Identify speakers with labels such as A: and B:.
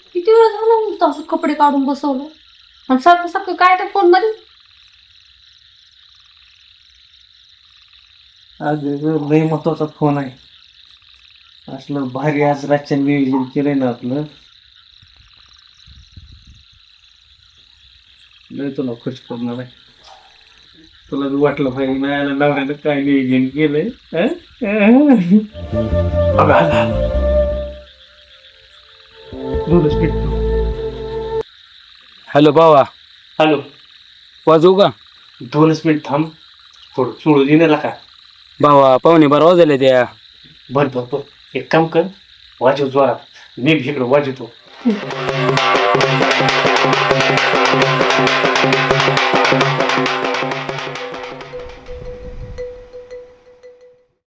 A: किती वेळ झाला नुसतं असं कपडे काढून बसवलं आणि सारखं सारखं काय त्या फोन मध्ये.
B: आज लय महत्वाचा फोन आहे. असलं भारी आज रातच्या नियोजन केलंय ना आपलं. लय तुला खुश करणार आहे. तुला बी वाटलं पाहिजे नाही नवऱ्यानं काय नियोजन केलंय. अगं, आला. दोनच मिनिट.
C: हॅलो बाबा,
B: हॅलो,
C: वाजवू का?
B: 2 मिनिट थांब. थोडं सोडू देण्याला का.
C: भावा 12:15 वाजले त्या.
B: बर बर बर, एक काम कर, वाजव जोरात. मी भी इकडं वाजवतो.